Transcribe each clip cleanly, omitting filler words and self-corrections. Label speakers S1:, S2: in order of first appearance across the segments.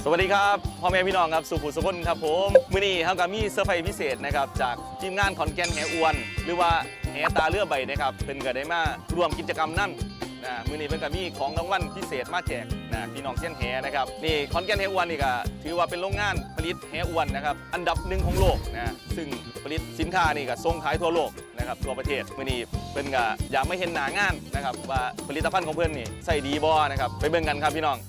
S1: สวัสดีครับพ่อแม่พี่น้องครับสุขุสุขนครับผมมื้อนี้เฮาก็มีเซอร์ไพรส์พิเศษนะครับจากทีมงานขอนแก่นแหอวนหรือว่าแหตาเรือใบนะครับเพิ่นก็ได้มาร่วมกิจกรรมนั่นมื้อนี้เพิ่นก็มีของรางวัลพิเศษมาแจกพี่น้องเส้นแหนะครับนี่ขอนแก่นแหอวนนี่ก็ถือว่าเป็นโรงงานผลิตแหอวนนะครับอันดับหนึ่งของโลกซึ่งผลิตสินค้านี่ก็ส่งขายทั่วโลกนะครับทั่วประเทศมื้อนี้เพิ่นก็อยากไม่เห็นหน้างานนะครับว่าผลิตภัณฑ์ของเพิ่นนี่ใส่ดีบ่นะครับไปเบิ่งกันครับพี่น้อง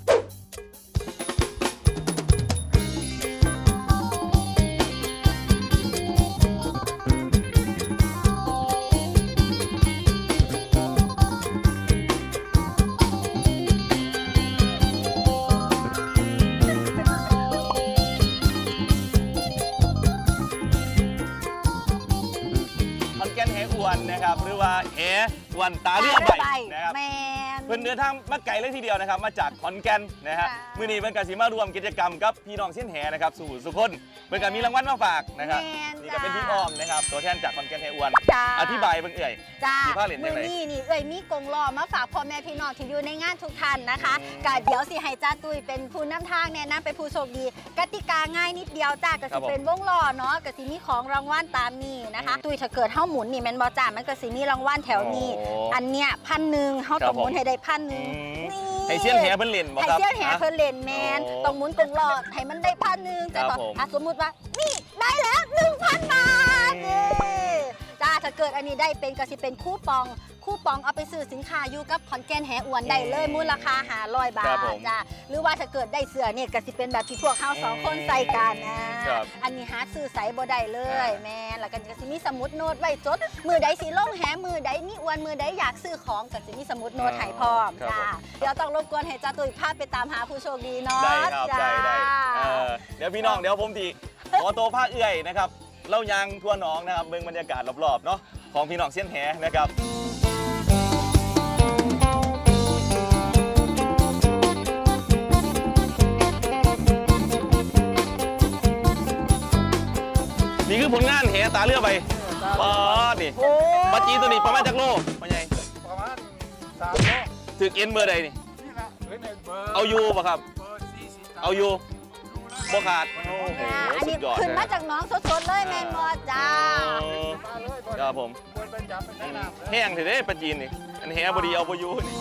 S1: นะครับหรือว่าแหวันตาเรือใบนะครับเพิ่นเดินทางมาไกลเลยทีเดียวนะครับมาจากขอนแก่นนะฮะมื้อนี้เพิ่นก็สิมารวมกิจกรรมกับพี่น้องเส้นแหนะครับสู่สุขนเพิ่นก็มีรางวัลมาฝากนะครับนี่ก็เป็นพี่อ้อมนะครับตัวแทนจากขอนแก่นแหอวนอธิบายเบิ่ง
S2: มีผ้าเหรียญจังได๋นี่มีกงล้อมาฝากพ่อแม่พี่น้องที่อยู่ในงานทุกท่านนะคะก็เดี๋ยวสิให้จ้าตุ้ยเป็นผู้นำทางแนะนำเป็นผู้โชคดีกติกาง่ายนิดเดียวจ้าก็สิเป็นวงล้อเนาะก็สิมีของรางวัลตามนี้นะคะตุ้ยถ้าเกิดเฮาหมุนนี่แม่นบ่จ้ามันก็สิมีรางวัลแถวนี้อันเนี้ย1,000เฮาต้องหมุนให้ได้1,000นี่
S1: ให้เสี้ยนแหเพิ่นเล่นบ่ครับ
S2: ให้เสี้ยนแหเพิ่นเล่นแมนต้องหมุนกงล้อให้มันได้1,000แต่ก็สมมุติว่านี่ได้แล้ว 1,000 บาทจ้าถ้าเกิดอันนี้ได้เป็นก็สิเป็นคูปองเอาไปซื้อสินค้าอยู่กับขอนแก่นแหอวนได้เลยมูลค่า500 บาทจ้าหรือว่าถ้าเกิดได้เสื้อเนี่ยก็สิเป็นแบบที่พวกเขา2คนใส่กันอันนี้หาซื้อใส่บ่ได้เลยแม่แล้วก็สิมีสมุดโน้ตไว้จดมือใดสิลงแหมือใดมีอวนมือใดอยากซื้อของก็สิมีสมุดโน้ตให้พร้อมจ้าเดี๋ยวต้องรบกวนให้จ้าตุ้ยพาไปตามหาผู้โชคดีเนาะ
S1: ได้ครับได้เดี๋ยวพี่น้องเดี๋ยวผมตีขอตัวภาคเอื้อยนะครับเล่ายางทั่วหนองนะครับเบิ่งบรรยากาศรอบๆเนาะของพี่น้องเส้นแหนะครับนี่คือผลงานแหตาเรือใบป๊อดนี่ปลาจีตัวนี้ประมาณจากโลเป็นไง
S3: ประมาณ3 โล
S1: ถึกเอ็นเบอร์ใดนี่เอาอยู่ป่ะครับเอาอยู่บ่ขาดโอ้โหสุดยอด
S2: ขึ้นมาจากน้องสดๆเลยแมนบอจ้า
S1: ครับผมแห้งเถอะเด้ปลาจีนนี่อันแหบดีเอาบ่อยู่นี่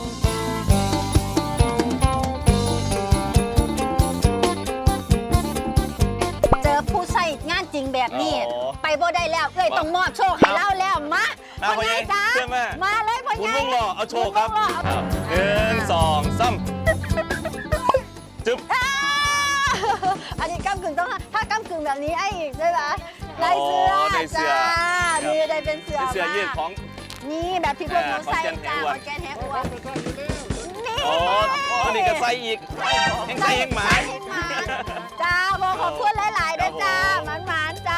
S2: เจอผู้ใส่งานจริงแบบนี้ไปบ่ได้แล้วเอ้ยต้องมอบโชคให้เล่าแล้วมาพ่อใหญ่จ้ามาเลยพ่อใหญ่
S1: คุณลุงรอเอาโชคครับ1 2 3จึ๊บ
S2: อันนี้ก้ำกึ่งต้องถ้าก้ำกึ่งแบบนี้ไอ้อีกใช่ไหมได้เสื้อจ้านี่ได้เป็นเสื้อ
S1: ยืดของ
S2: นี่แบบที่พวกหนูใส่จ้าขอนแก่นแหอวนนี่
S1: อันนี้ก็ใส่อีกแห้งใส่แห้งหมา
S2: จ้าบอกขอบคุณหลายๆด้วยจ้าหมานจ้า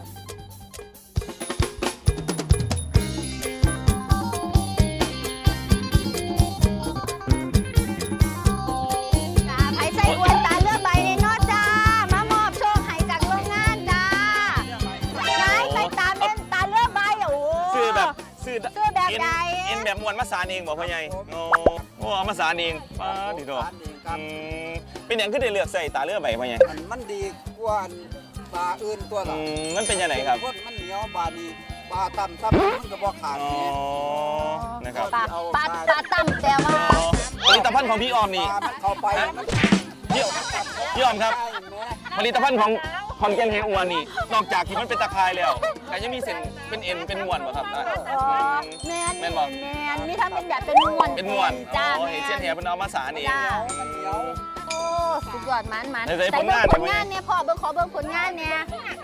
S2: ใส่อวนตาเลือกใบในนอจ้ามามอบโชคให้จากโรงงานจ้าใส่ตาเป็นตาเลือกใบโอ้
S1: ซื้อแบบ
S2: ใด
S1: เอ็นแบบมวนมาสานเองบอกพ่อใหญ่โอ้เอามาสานเองป้าดีตัวเป็นอย่างขึ้นได้เลือกใส่ตาเลือกใบพ่อใหญ่
S3: มันดีกว่าปลาอื่นตัวหรอ
S1: มันเป็นยังไงครับ
S3: มันเหนียวปลาดีปลาต่ำมันก็บอกขาด
S1: นะครับ
S2: ปลาต่ำแต่ว่า
S1: ผลิตภัณฑ์ของพี่ออมนี่
S3: เข้าไป
S1: พี่ออมครับผลิตภัณฑ์ของขอนแก่นแหอวนนี่นอกจากที่มันเป็นตะไคร้แล้วแต่ยังมีเส้นเป็นเอ็นเป็นม้วนป่ะครับ
S2: แม่นบอกนี่ทำเป็นแบบเป็นม้วน
S1: จ้าเห็นเส้นแหเป็นเอามาสานเอง
S2: โอ้สุดยอดมันใส่ผลงานเนี่ยพ่อขอเบิ่งผลงานเนี่ย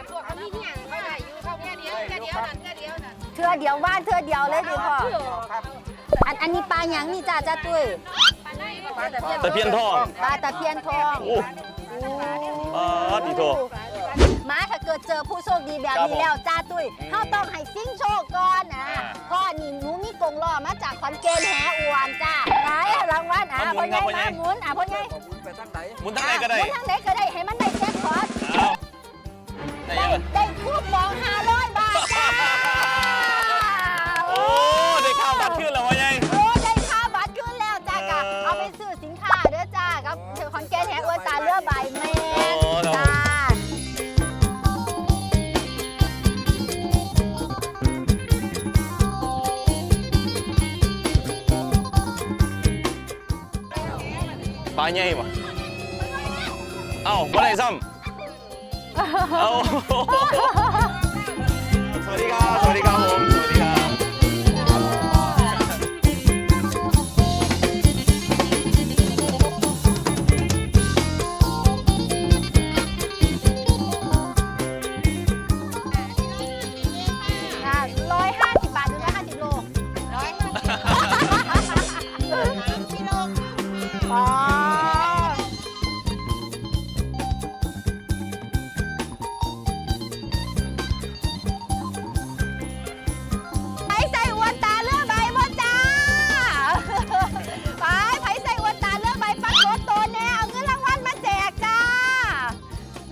S2: เทื่อเดียวว่านเทื่อเดียวเลยดิพ่ออันนี้ปลาหยังนี่จ้าตุ้ย
S1: ตะเพียนทอง
S2: ปลาตะเพียนทอง
S1: ดีโถ
S2: มาถ้าเกิดเจอผู้โชคดีแบบนี้แล้วจ้าตุ้ยเขาต้องให้ซิ่งโชคก่อนพ่อนี่หนูมีกงล้อมาจากขอนแก่นแหอวนจ้าได้รางวัลพ่อใหญ่มาหมุนพ่อใหญ่
S1: หมุนทั้งไหนก็ได้
S2: ให้มันได้แจ็คพอตได้คูปอง500 บาทจ้า
S1: โอ้ได้ค่าบัตรขึ้นแล้วพ่อใหญ่
S2: ได้ค่าบัตรขึ้นแล้วจ้าเอาไปซื้อสินค้าเด้อจ้ากับขอนแก่นแหอวนตาเลือกใบแม่
S1: ใหญ่บ่เอ้าบ่ได้ซ้ำเอ้าสวัสดีครับสวัสดีครับผมสวัสดีครับ
S2: 150 บาทหรือ150 โลอ๋อไผใส่อวนตาเลือกใบบ่จ้าไผใส่อวนตาเลือกใบปักรถตัวแน่เอาเงินรางวัลมาแจกจ้าไหน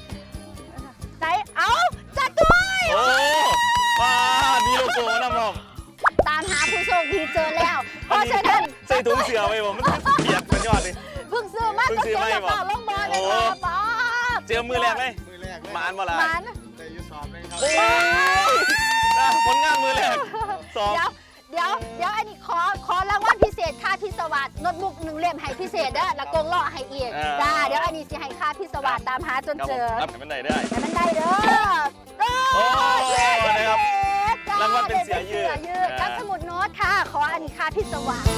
S2: เอาจัดด้วย
S1: โอ้ป้ามีโลโก้นะมอม
S2: ตามหาผู้โชคดีเจอแล้ว เพราะฉะนั้น
S1: ใส่ถุงเสือไว้บ่มันเปียกเป็นยอดเลย
S2: เพิ่งซื้อมา
S1: เพิ่ง
S2: ก็
S1: ซื้
S2: เสี
S1: อย มา
S2: กระเป๋าลงบอลเลยค่ะป๊าบ
S1: เจอมือแรกเลย
S3: มือแรกเลย
S1: หมานบ่ล่ะ
S2: มัน
S3: ได้อยุสอบเลยครับ
S1: โอ้ยผลงานมือแรกสอง
S2: เดี๋ยวอันนี้ขอรางวัลพิเศษค่าพิศวาสโน้ตบุ๊ก1 เล่มให้พิเศษเด้อแล้วกงล้อให้อีกจ้าเดี๋ยวอันนี้สิให้ค่าพิศวาสตามหาจน
S1: ครับ
S2: เจ
S1: ผม
S2: อ
S1: รับกันได้ได้
S2: แต่มันได้เด้อ
S1: โอ้ย
S2: เย้
S1: นะครับ
S2: จ้
S1: รางวัลเป็นเสือยืด
S2: กับสมุดโน้ตค่ะ ขออันนี้ค่าพิศวาส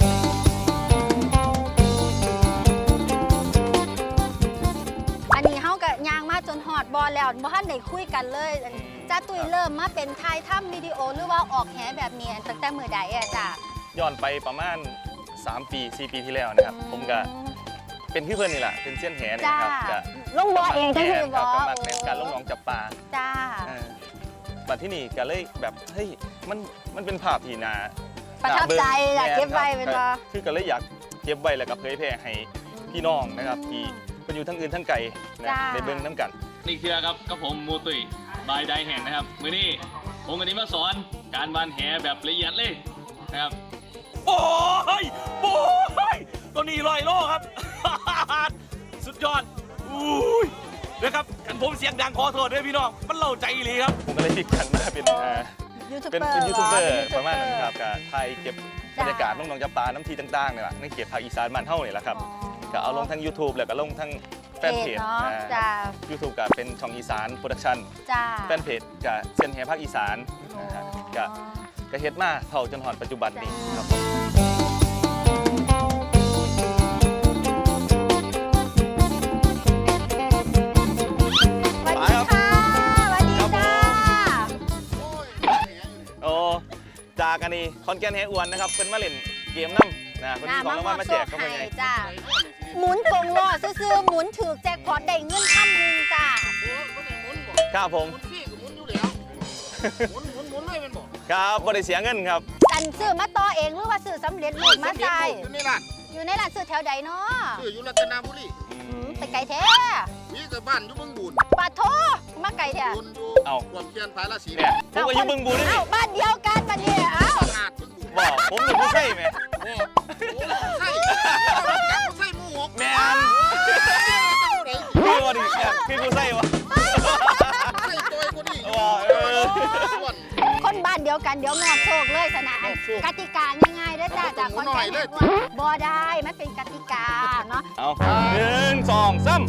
S2: อันนี้เฮากับยางมาจนหอดบอลแล้วบ่ทันได้คุยกันเลยอันนี้จ้าตุ้ยเริ่มมาเป็นถ่ายทำวิดีโอหรือว่าออกแหแบบนี้ตั้งแต่มื้อใดอะจ้า
S1: ย้อนไปประมาณ3 ปี 4 ปีที่แล้วนะครับ ผมก็เป็นพี่เพื่อนนี่แหละเป็นเสี้ยนแหนี่
S2: จ้า
S1: ครับจะ
S2: ลงบอเองจังซี่
S1: ค
S2: บ่
S1: รับก็มักในการลงหนองจับปลา
S2: จ้า
S1: บัดที่นี่ก็เลยแบบเฮ้ยมันเป็นภาพที่น่า
S2: ประทับใจอยากเก็บไว้เป็นบ่
S1: คือก็เลยอยากเก็บไว้แล้วก็เผยแพร่ให้พี่น้องนะครับที่เป็นอยู่ทั้งอื่นทั้งไกลนะได้เบิ่งน้ำกัน
S4: นี่คือครับกับผมมูตุยบายไดแห่งนะครับมื้อนี้ผมกันนี้มาสอนการวานแหแบบละเอียดเลยนะครับ
S1: โอ้ยโอ้ยตัวนี้100 โลครับ สุดยอดอุ้ยนะครับกันผมเสียงดังขอโทษด้วยพี่น้องมันเล่าใจเลยครับผมก็เลยพลิกกันมาเป็น
S2: ยูทูบ
S1: เป็น
S2: เบอร์
S1: ยูทูบเบอร์
S2: ห
S1: ประมาณนั้นครับกับไทยเก็บบรรยากาศน้องๆจับปลาน้ำทีต่างๆเนี่ยแหละในเขตภาคอีสานบ้านเฮาเนี่ยแหละครับก็เอาลงทั้ง YouTube แล้วก็ลงทั้งแฟนเพจ
S2: เนาะจ้า
S1: YouTube ก็เป็นช่องอีสานโปรดักชั่น
S2: จ้า
S1: แฟนเพจกับเซียนแหภาคอีสานนะครับก็เฮ็ดมาเท่าจนหอนปัจจุบันนี้ครับผม
S2: สวัสดีค่ะสวัสดีจ้า
S1: โอ้จากอันนี้คอนแกนแหอ้วนนะครับเป็นมาเล่นเกมน้ำนะคนที่ของรางวัลมาแจกเข้าไปไง
S2: จ้าหมุนกงล้อซื้อๆหมุนถือแจ็คพอตได้เงิน1,000จ้า
S1: ครับผม
S3: หมุนพี่ก็หมุนอยู่แล้วหมุนเลยเป็นบ่
S1: ครับบ่ได้เสียเงินครับ
S2: กันซื้อมาต่อเองหรือว่าซื้อสำเร็จรูปมาใส่
S3: อยู่ในร้าน
S2: อยู่ในร้านซื้อแถวใดเนาะ
S3: อยู่รัตนบุรี
S2: ไปไกลแท้
S3: นี่ก็บ้านอยู่เมืองบุญ
S2: ปาโทมาไกลแท้
S3: บุญอยู่
S1: เอ้า
S3: ความเพียรภายละสี
S1: เนี่ยผมก็อยุ่เบิ่งบูนี่
S2: เอ้าบ้านเดียวกันมาเนี่ยเอ้า
S3: อาดเมืองบุญ
S1: บอกผมเป็นผู้ใช่ไหม
S3: โอ้ใช่ใช่หมูหก
S1: แมนคือว่าดิเนี่ยคือผู้ใช่วะ
S3: ใช่ตัวคนนี้
S1: ว้าเออ
S2: คนบ้านเดียวกันเดี๋ยวมอบโชคเลยสนะอันกติกาง่ายๆเด้อจ้าจากคอนแทคบ่ได้มันเป็นกติกาเนาะ
S1: เอา1 2 3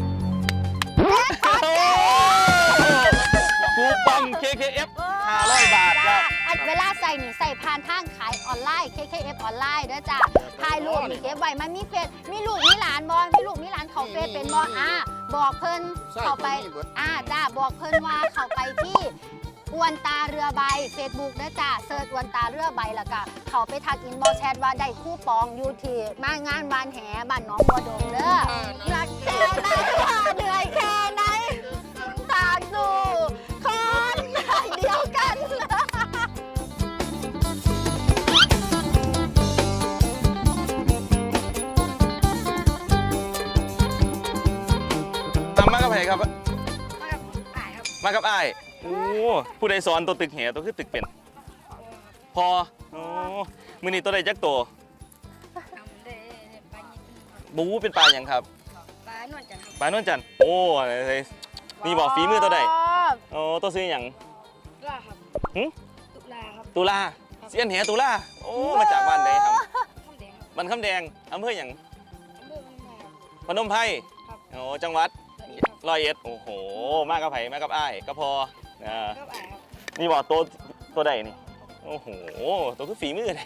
S1: คูปอง KKF 500 บาทครับ
S2: อันเวลาใส่นี่ใส่ผ่านทางขายออนไลน์ KKF ออนไลน์เด้อจ้าถ่ายรูปนี่เก็บไว้มันมีเฟซมีลูกมีหลานบ่มีลูกมีหลานเขาเฟซเป็นบ่บอกเพิ่นเข้าไปจ้าบอกเพิ่นว่าเข้าไปที่อวนตาเรือใบ Facebook เด้อจ้าเสิร์ชอวนตาเรือใบแล้วก็เขาไปทักอินบ็อกซ์แชทว่าได้คูปองอยู่ที่มางานบ้านแหบ้านหนองบัวดงเด้อรักแค่ไหนเหนื่อยแค่ไหนตาสู่คนเดียวกัน
S1: มากับใครครับ มากับอ้ายโอ้ผู้ใดสอนตัวตึกแหตัวคือตึกเป็น พอโอ้มือนี้ตัวใดจักตัวบูเป็นปลาอย่างครับ
S5: ปลานวลจันทร์ครับ
S1: ปลานวลจันทร์โอ้อะไรนี่บอกฝีมือตัวใดโอ้ตัวซื้ออย่าง
S5: ตุลาครับ
S1: หึ
S5: ตุลาครับ
S1: ตุลาเสียนแหตุลาโอ้มาจากบ้านใดครับ
S5: ข้าวแดงครับ
S1: บ้านคำแดงอำเภออย่าง
S5: อำเภอบ้านไผ่ครับ
S1: พนมไพร
S5: ครับ
S1: โอ้จังหวัด
S5: ครับ
S1: ร้อยเอ็ดโอ้โหมากกับไผ่มากับอ้ายก็พอนะ
S5: ก็อ่าครับ
S1: นี่บอกตัวใดนี่โอ้โหตัวคือฝีมือแท้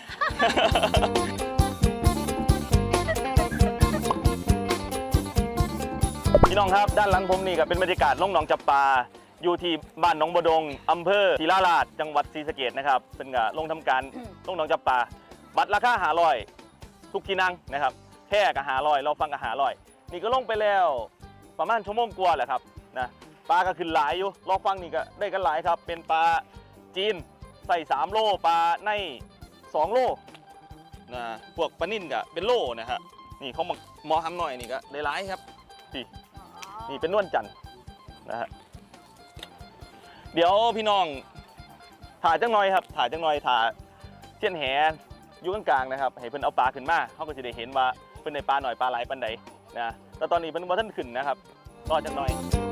S1: พี่น้องครับด้านหลังผมนี่ก็เป็นบรรยากาศล่องหนองจับปลาอยู่ที่บ้านหนองบดงอำเภอศรีราชาจังหวัดศรีสะเกษนะครับเป็นก็ลงทำการล่องหนองจับปลาบัตรราคา500ทุกที่นั่งนะครับแค่กับ500เราฟังกับ500นี่ก็ลงไปแล้วประมาณชั่วโมงกว่าแหละครับนะปลาก็ขึ้นหลายอยู่รอฟังนี่ก็ได้กันหลายครับเป็นปลาจีนใส่3โลปลาใน2โลนะพวกปลานิ่นก็เป็นโลนะฮะนี่เขาหมอทำหน่อยนี่ก็ได้หลายครับนี่เป็นนวลจันทร์นะฮะเดี๋ยวพี่น้องถ่ายจังหน่อยครับถ่ายจังหน่อยถ่ายเสี้ยนแหอยู่กลางๆนะครับให้เพิ่นเอาปลาขึ้นมาเขาก็จะได้เห็นว่าเพิ่นได้ปลาหน่อยปลาหลายปานใดนะแต่ตอนนี้เพิ่นบ่ทันขึ้นนะครับรอจังหน่อย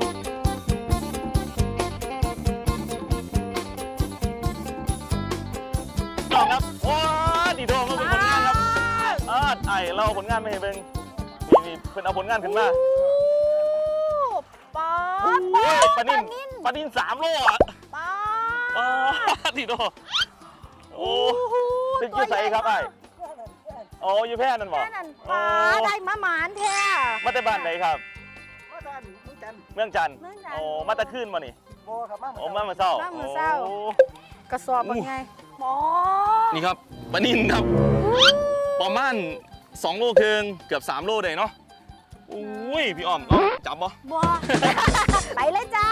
S1: น้องครับว้าดีโดมมาเป็นผลงานครับไอ้เราเอาผลงานมาให้เบิ่งนี่เพิ่นเอาผลงานขึ้นมา
S2: ปลา
S1: ปลานิ่น3โลอ่ะ
S2: ปลา
S1: ดีโดโอ้ตึกอยู่ใส่ครับไอ้โอ้อยู่แพร่นั่นบ่
S2: แค่นั้นปลาได้มาหมานแท้
S1: มาแต่บ้านไหนครับ
S3: มาทานมึงจัน
S1: เมืองจันทร์
S2: เมืองจันทร์
S1: โอ้มาแต่คืนบ่นี่
S3: โบครับมา
S1: โอ้มาเมื่อเช้า
S2: มามื้อเช้า
S1: โอ้
S2: กระสอบเป็นไงหมอ
S1: นี่ครับปลานิ่นครับประมาณ2 โลครึ่งเกือบ3 โลได้เนาะอุ้ยพี่อ้อมจับบ่
S2: บัว ไปเลยจ้า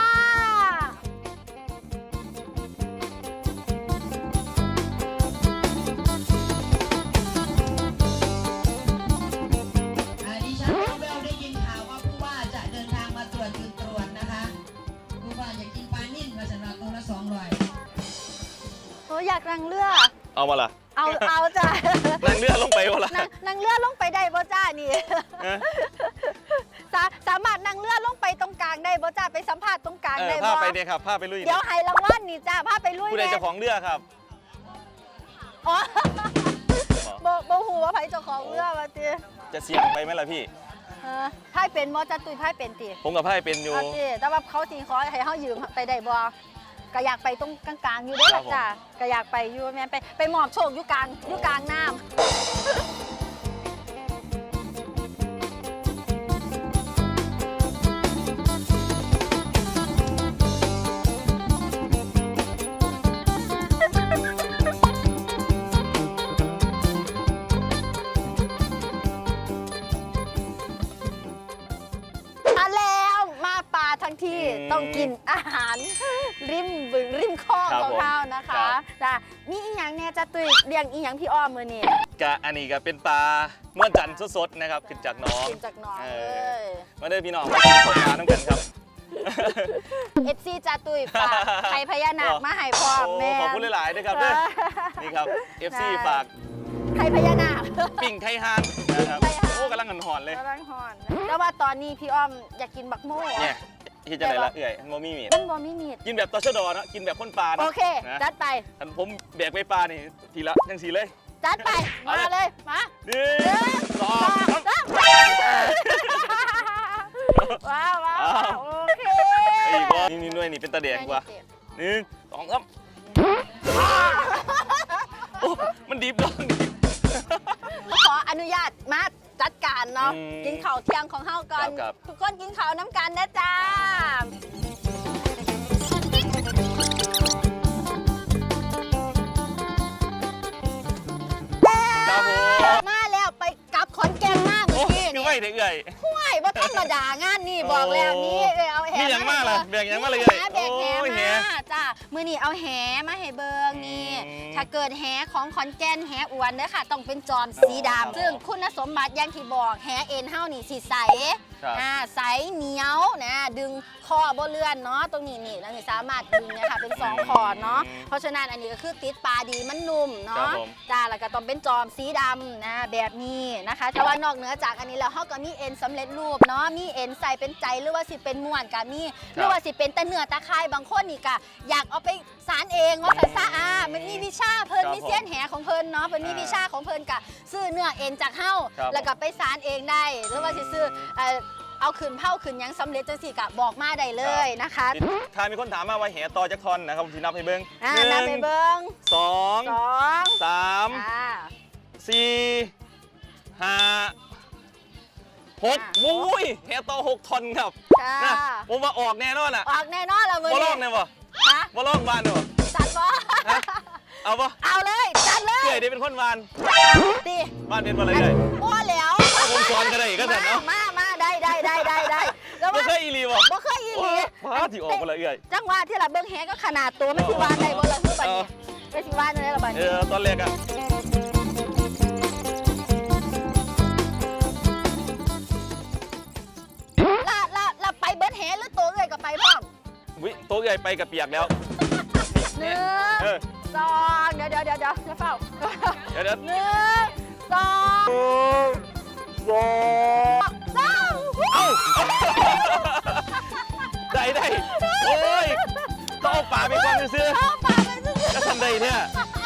S6: ดิฉันแววๆได้ยินข่าวว่าผู้ว่าจะเดินทางมาตรวจจุดตรวจนะคะผู้ว่าอยากกินปลานิ่นมาสำหรับตัวละ200
S2: โอ้อยากนั่งเรือ
S1: เอามาล่ะ
S2: เอาจ้า
S1: นั่งเรือลงไปบ่ล่ะ
S2: นั่งเรือลงไปได้บ่จ้านี่
S1: เอ๊ะ
S2: สามารถนั่งเรือลงไปตรงกลางได้บ่จ้าไปสัมภาษณ์ตรงกลางได้
S1: พา
S2: บ่
S1: ไปเนี่ยครับพาไปลุย
S2: เดี๋ยวให้รางวัลนี่จ้าพาไปลุย
S1: ผู้ใด
S2: แน่
S1: เจ้าของเรือครับ
S2: อ๋อบ่ฮู้ว่าไผเจ้าของเรือว่าติ
S1: จะเสี่ยงไปไหมล่ะพี่
S2: ไพ่เป็นบ่จ้าตุ้ยไพ่เป็นติ
S1: ผมกับไพ่เป็นอยู่
S2: เอาติแต่ว่าเขาสิขอให้เฮายืมไปได้บ่ก็อยากไปตรงกลางๆอยู่เด้อ
S1: ครั
S2: ล่ะ
S1: บผม
S2: จ้าก็อยากไปอยู่แม่นไปมอบโชคอยู่กลางน้ำ มาแล้วมาป่าทั้งที่ต้องกินอาหารริมบึงริมคลอง
S1: ครับ
S2: ของ
S1: ผม
S2: เรานะคะ
S1: ครับ
S2: จ้ะมีอีหยังเนี่ยจะตุยเลี้ยงอีหยังพี่อ้อมมือนี่
S1: กะอันนี้ก็เป็นปลานวลจันทร์สดๆนะครับขึ้นจากหน้อง
S2: กินจากหน้อง
S1: เอ
S2: เล
S1: อ มาเด้อพี่น้องมากินข้าวปลาน้ำกันครับ
S2: เอฟซีจะตุยฝากไข่พญานาคมาให้พ่อม
S1: โอ้
S2: แม่
S1: ขอบคุณหลายๆด้วยครับเด้อนี่ครับ FC ฝาก
S2: ไข่พญานาค
S1: ปิ่งไข่ฮานนะครับ
S2: ไข่ฮาน
S1: โอ้กำลังหอนๆเลย
S2: กำลังหอนแต่ว่าตอนนี้พี่อ้อมอยากกินบักโม่
S1: เนี่ยที่จะไหนละเอื่อยโมมี่มีด
S2: มันบ่มีมีด
S1: กินแบบตชดเนอะกินแบบคนปลานะ
S2: โอเค
S1: นะ
S2: จัดไป
S1: อันผมแบกไปปลานี่ทีละยังสีเลย
S2: จัดไปมาเลยมา
S1: หนึ่งสอง
S2: สามว้าวว้าวโอเค
S1: ไอ้บอนี่ด้วยนี่เป็นตาแดงกว่าหนึ่งสองสามโอ้มันดีบดองดิ
S2: ขออนุญาตมาจัดการเนาะ
S1: อืม
S2: กินข้าวเที่ยงของเฮาก่อน
S1: ครับ
S2: ทุกคนกินข้าวน้ำกันนะจ้า
S1: ครับผม
S2: มาแล้วไปกลับขอนแก่นมาก
S1: โอ้
S2: เมื่อกี้
S1: คือ
S2: นี่
S1: ไม่เด็กเอื่อย
S2: ห่วยว่าธรรมดางานนี่บอกแล้วนี่เอาแห
S1: นี่อย่างมากเลยแบกอย่างมากเลย
S2: แบกแห
S1: โอ้ยแห
S2: มาจ้ามื้อนี้เอาแหมาให้เบิงนี่
S1: อืม
S2: ถ้าเกิดแหของขอนแก่นแหอวนเด้อค่ะ ต้องเป็นจอมสี
S1: ครับ
S2: ดำซึ่งคุณสมบัติอย่างที่บอกแหเอ็นเฮานี่สีใส
S1: ครับ
S2: ใสเหนียวนะดึงคอบ่เลื่อนเนาะตรงนี้นี่แล้วนี่สามารถดึงเนี่ยค่ะเป็น2คอเนาะเพราะฉะนั้นอันนี้ก็คือติดปลาดีมันนุ่ม
S1: ครั
S2: เนาะ
S1: บผม
S2: จ้าแล้วก็ต้องเป็นจอมสีดำนะแบบนี้นะคะแต่ว่านอกเหนือจากอันนี้แล้วเฮาก็มีเอ็นสำเร็จรูปเนาะมีเอ็นใส่เป็นใจหรือว่าสิเป็นม้วนก็มีหรือว่าสิเป็นตะเนื้อตะไคร้บางคนนี่ก็อยากเอาไปสารเองว่าสันซะมันมีวิชาเพิ่น
S1: ครับ
S2: มีเสี้ยนแหของเพิ่นเนาะเพิ่นมีวิชาของเพิ่นกะซื้อเนื้อเอ็นจากเฮ้า
S1: ครับ
S2: แล้วก็ไปสารเองได้หรือว่าสิซื้อเอาขึ้นเผาขึ้นหยังสำเร็จจังสี่กะบอกมาได้เลยนะคะ
S1: ถ้ามีคนถามมาว่าแหต่อจากทอนนะครับผมสินับให้เบิ่ง
S2: นับไปเบิ้ง
S1: สอง
S2: 2
S1: สาม สี่ห้าหกวุ้ยแหต่อ6 ทอนครับ
S2: ค่ะ
S1: นะผมว่าออกแน่นอนอ่ะ
S2: ออกแน่นอนแล้วมื้อ
S1: บ่ล
S2: นี้
S1: องเนี่ยบ่
S2: ฮะ
S1: บ่ลองบ้านเนี่ยบ่
S2: จัดบ่
S1: ฮะเอาบ่
S2: เอาเลยจัดเลย
S1: เกยได้เป็นคนบ้าน
S2: ดิ
S1: บ้านเป็นอะไรเลย
S2: บ่แล้ว
S1: เอาผมสอนก็ได้ก็ได้เนาะ
S2: มาได้แล้ว
S1: บ่
S2: ว่า
S1: เคยอีหลีบ่
S2: บ่เคยอีหลี
S1: ว้าที่ออกบ่ละเอื้อย
S2: จังหวะที่ละเบิ่งแฮก็ขนาดตัวไม่สิว่าได้บ่ล่ะคือบัดนี้ไม่สิว่าได้ล่ะบัดนี้
S1: ตอนแรกอะ
S2: ละไปเบิดแฮหรือตัวเอ้ยก็ไปพร้อม
S1: วิโต๊ะใหญ่ไปกับเปียกแล้ว
S2: หนึ่
S1: เออ
S2: งสองเดี๋ยวอย่าเฝ้า
S1: เดี๋ยว
S2: หนึ่งสอง
S1: โอ้
S2: สาม
S1: เอ้าได้โอ้ยต้องเอาป่าไปก่อนซื้อ
S2: เอาปากไปซื้อ
S1: ก็ทำได้เนี่ย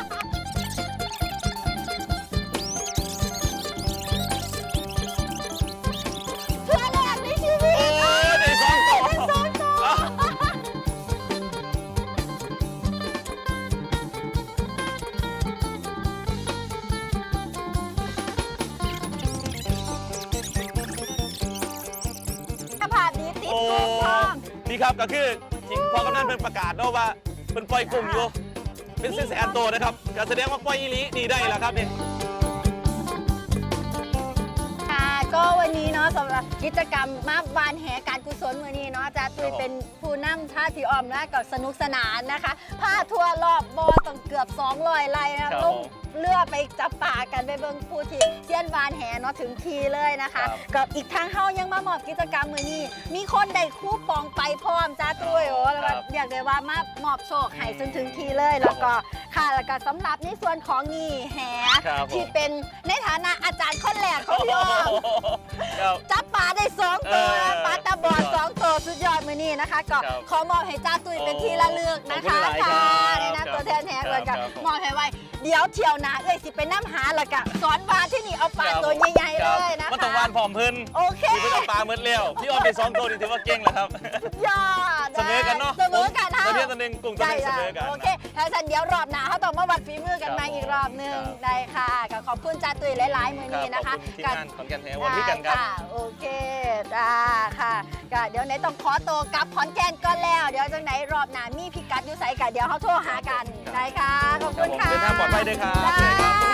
S2: เพื่อแรกในชีวิต
S1: โอ้ยได้สองต่อ
S2: ได้สองตัว
S1: เอ้า
S2: ภาพนี้ติด
S1: โอ้
S2: ตัวพร้อม
S1: นี่ครับก็คือจริงพอกำนันเพิ่นประกาศเนาะว่าเพิ่นปล่อยกุ้งอยู่เป็นแสนๆตัวนะครับก็แสดงว่าปล่อยอีหลีนี่ได้แล้วครับนี่
S2: ค่ะก็วันนี้เนาะสำหรับกิจกรรมมาวานแหการกุศลวันนี้เนาะอาจารย์ตุ้ยเป็นผู้นำท่าทีออมนะกับสนุกสนานนะคะพาทัวร์รอบบอต้องเกือบ200ไร่นะลงเรือไปจับป่ากันไปเบิ่งผู้ที่เซียนวานแหเนาะถึงทีเลยนะคะกับอีกทางเฮายังมามอบกิจกรรมมือนี้มีคนได้คูปองไปพร้อมจ้าตุ้ยโอ้แล้วก็อยากได้ว่ามามอบโชคให้จนถึงทีเลยแล้วก็ค่ะแล้วก็สำหรับในส่วนของนี่แห
S1: ครับผม
S2: ที่เป็นในฐานะอาจารย์คนแรกของพี่ออม
S1: ครับ
S2: จับปลาได้2ตัวปลาตาบอด2ตัวสุดยอดมือนี้นะคะก็
S1: ครับ
S2: ขอมอบให้จ้าตุ้ยเป็นที่ระลึกนะคะ
S1: ขอบคุณหลายๆ
S2: ค่ะ
S1: ครับ
S2: ในนามตัวแทนแหกเลย
S1: ครั
S2: กั
S1: บบ
S2: มอบให้ไว้เดี๋ยวเที่ยวหนาเอ้ยสิเป็นน้ำหาและกะสอนวานที่นี่เอาปลาตัวใหญ่ๆเลยนะคะ
S1: มันต้องวานผอมเพิ่น
S2: โอเค
S1: ที่เพิ่นเอาปลาเมื่อเลี้ยวพี่ออมไป2 ตัวนี่ถือว่าเก่งแล้วครับ
S2: ยอด
S1: เสมอกันเนาะ
S2: เสมอกัน
S1: ตัวเดียว
S2: เท่า
S1: ตัวหนึงกุ้งตัวหนึงเสมอกัน
S2: โอเคถ้าฉันเดี๋ยวรอบหน้าเขาต้องมาวัดฝีมือกัน
S1: ครับ
S2: มาอีกรอบหนึง
S1: ครับ
S2: ได้ค่ะก็ขอบคุณจ้าตุ้ยหลายๆมือ
S1: ครับ
S2: นี้นะคะ
S1: ขอบคุณทีมงานขอนแก่นแท้วัน
S2: ได้
S1: พี่กันครับ
S2: ค่ะโอเคได้ค่ะก็เดี๋ยวไหนต้องขอตัวกลับขอนแก่นก่อนแล้ว เดี๋ยวจังไหนรอบหน้ามีพิกัดอยู่ใส่กันเดี๋ยวเขาโทรหากันได้ค่ะขอบคุณค่ะ
S1: เดินทางปลอดภัยด้วยครับ
S2: ได้